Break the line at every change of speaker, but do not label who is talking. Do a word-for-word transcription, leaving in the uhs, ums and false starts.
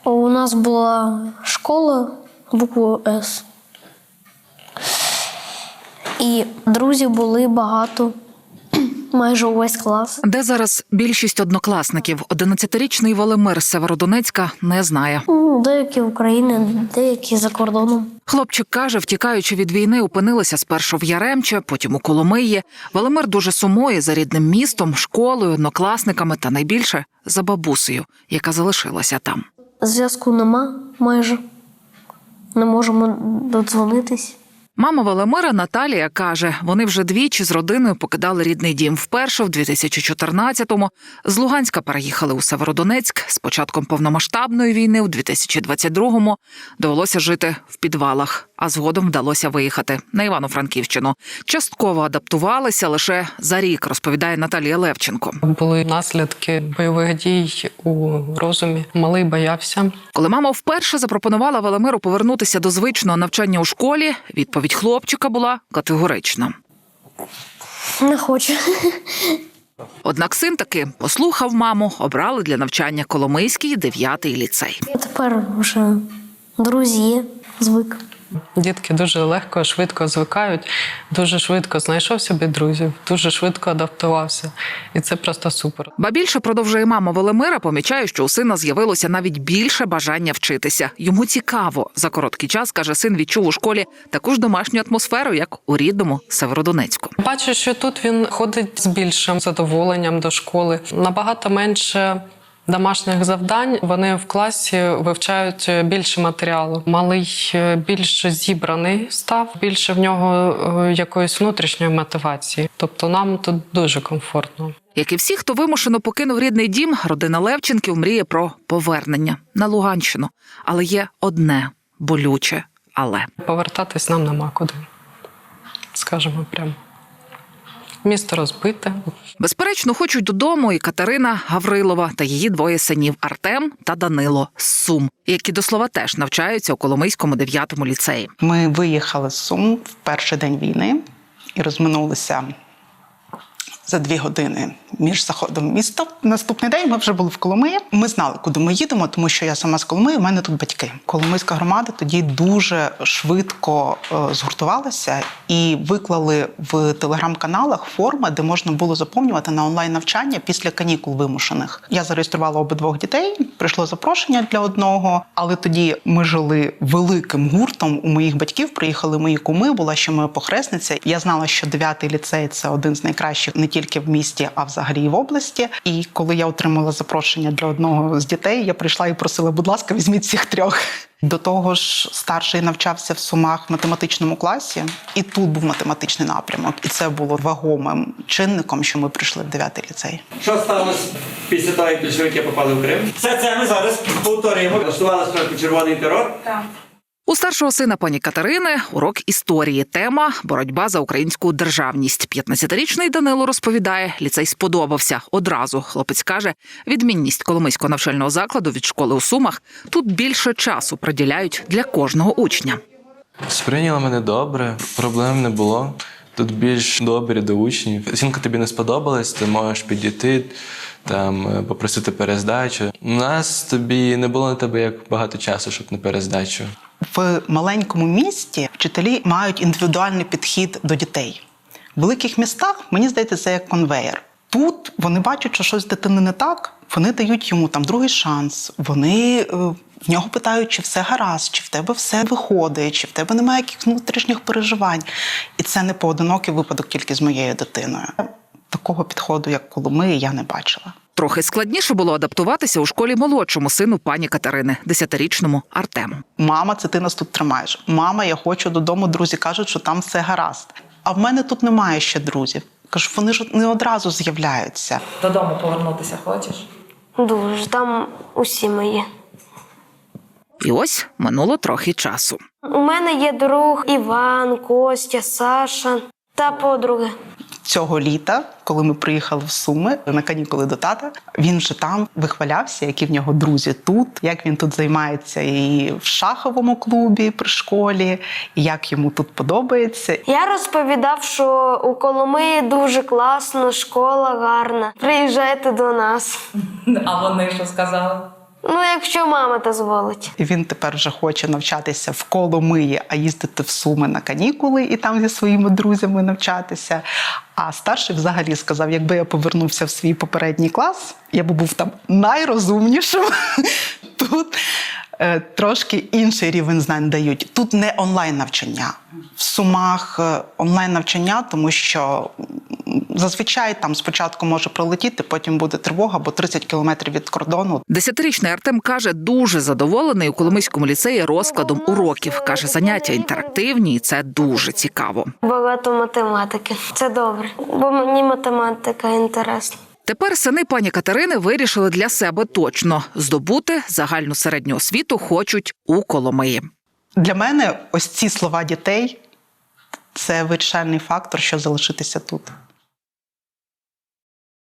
У нас була школа буквою С. І друзів були багато, майже увесь клас.
Де зараз більшість однокласників? одинадцятирічний Володимир з Северодонецька не знає.
Ну, деякі в Україні, деякі за кордоном.
Хлопчик каже, втікаючи від війни, опинилися спершу в Яремче, потім у Коломиї. Володимир дуже сумує за рідним містом, школою, однокласниками та найбільше за бабусею, яка залишилася там.
Зв'язку нема майже. Не можемо додзвонитись.
Мама Володимира Наталія каже, вони вже двічі з родиною покидали рідний дім. Вперше в дві тисячі чотирнадцятому з Луганська переїхали у Северодонецьк. З початком повномасштабної війни у дві тисячі двадцять другому довелося жити в підвалах, а згодом вдалося виїхати на Івано-Франківщину. Частково адаптувалися лише за рік, розповідає Наталія Левченко.
Були наслідки бойових дій у розумі. Малий боявся.
Коли мама вперше запропонувала Володимиру повернутися до звичного навчання у школі, відповідь хлопчика була категорична.
Не хочу.
Однак син таки послухав маму, обрали для навчання Коломийський дев'ятий ліцей.
Тепер вже друзі є, звик.
Дітки дуже легко, швидко звикають, дуже швидко знайшов собі друзів, дуже швидко адаптувався. І це просто супер.
Ба більше, продовжує мама Володимира, помічає, що у сина з'явилося навіть більше бажання вчитися. Йому цікаво. За короткий час, каже, син відчув у школі таку ж домашню атмосферу, як у рідному Северодонецьку.
Бачу, що тут він ходить з більшим задоволенням до школи. Набагато менше домашніх завдань, вони в класі вивчають більше матеріалу. Малий більш зібраний став, більше в нього якоїсь внутрішньої мотивації. Тобто нам тут дуже комфортно.
Як і всі, хто вимушено покинув рідний дім, родина Левченків мріє про повернення на Луганщину. Але є одне болюче «але».
Повертатись нам нема куди, скажемо прямо. Місто розбите.
Безперечно, хочуть додому і Катерина Гаврилова та її двоє синів Артем та Данило з Сум, які, до слова, теж навчаються у Коломийському дев'ятому ліцеї.
Ми виїхали з Сум в перший день війни і розминулися за дві години між заходом в місто. Наступний день ми вже були в Коломиї. Ми знали, куди ми їдемо, тому що я сама з Коломиї, у мене тут батьки. Коломийська громада тоді дуже швидко е, згуртувалася і виклали в телеграм-каналах форми, де можна було заповнювати на онлайн-навчання після канікул вимушених. Я зареєструвала обидвох дітей, прийшло запрошення для одного, але тоді ми жили великим гуртом. У моїх батьків приїхали мої куми, була ще моя похресниця. Я знала, що дев'ятий ліцей – це один з найкращих не тільки в місті, а взагалі і в області. І коли я отримала запрошення для одного з дітей, я прийшла і просила, будь ласка, візьміть всіх трьох. До того ж, старший навчався в Сумах в математичному класі, і тут був математичний напрямок. І це було вагомим чинником, що ми прийшли в дев'ятий ліцей.
Що сталося після того, як більшовики попали в Крим? Все це ми зараз повторюємо. Влаштували спочатку червоний терор.
Так.
У старшого сина пані Катерини урок історії. Тема – боротьба за українську державність. п'ятнадцятирічний Данило розповідає, ліцей сподобався. Одразу, хлопець каже, відмінність Коломийського навчального закладу від школи у Сумах – тут більше часу приділяють для кожного учня.
Сприйняли мене добре, проблем не було. Тут більш добрі до учнів. Оцінка тобі не сподобалась, ти можеш підійти, там, попросити перездачу. У нас тобі не було на тебе як багато часу, щоб на перездачу.
В маленькому місті вчителі мають індивідуальний підхід до дітей. В великих містах, мені здається, це як конвеєр. Тут вони бачать, що щось з дитини не так, вони дають йому там другий шанс, вони е, в нього питають, чи все гаразд, чи в тебе все виходить, чи в тебе немає якихось внутрішніх переживань. І це не поодинокий випадок тільки з моєю дитиною. Такого підходу, як Коломиї, я не бачила.
Трохи складніше було адаптуватися у школі молодшому сину пані Катерини, десятирічному Артему.
Мама, це ти нас тут тримаєш. Мама, я хочу додому, друзі кажуть, що там все гаразд. А в мене тут немає ще друзів. Кажу, вони ж не одразу з'являються.
Додому повернутися хочеш?
Дуже, там усі мої.
І ось минуло трохи часу.
У мене є друг Іван, Костя, Саша та подруги.
Цього літа, коли ми приїхали в Суми на канікули до тата, він вже там вихвалявся, які в нього друзі тут, як він тут займається і в шаховому клубі при школі, і як йому тут подобається.
Я розповідав, що у Коломиї дуже класно, школа гарна. Приїжджайте до нас.
А вони що сказали?
Ну, якщо мама дозволить.
І він тепер вже хоче навчатися в Коломиї, а їздити в Суми на канікули і там зі своїми друзями навчатися. А старший взагалі сказав, якби я повернувся в свій попередній клас, я б був там найрозумнішим. Тут е, трошки інший рівень знань дають. Тут не онлайн-навчання. В Сумах е, онлайн-навчання, тому що зазвичай там спочатку може пролетіти, потім буде тривога, бо тридцять кілометрів від кордону.
Десятирічний Артем каже, дуже задоволений у Коломийському ліцеї розкладом уроків. Каже, заняття інтерактивні і це дуже цікаво.
Багато математики. Це добре, бо мені математика інтересна.
Тепер сини пані Катерини вирішили для себе точно – здобути загальну середню освіту хочуть у Коломиї.
Для мене ось ці слова дітей – це вирішальний фактор, що залишитися тут.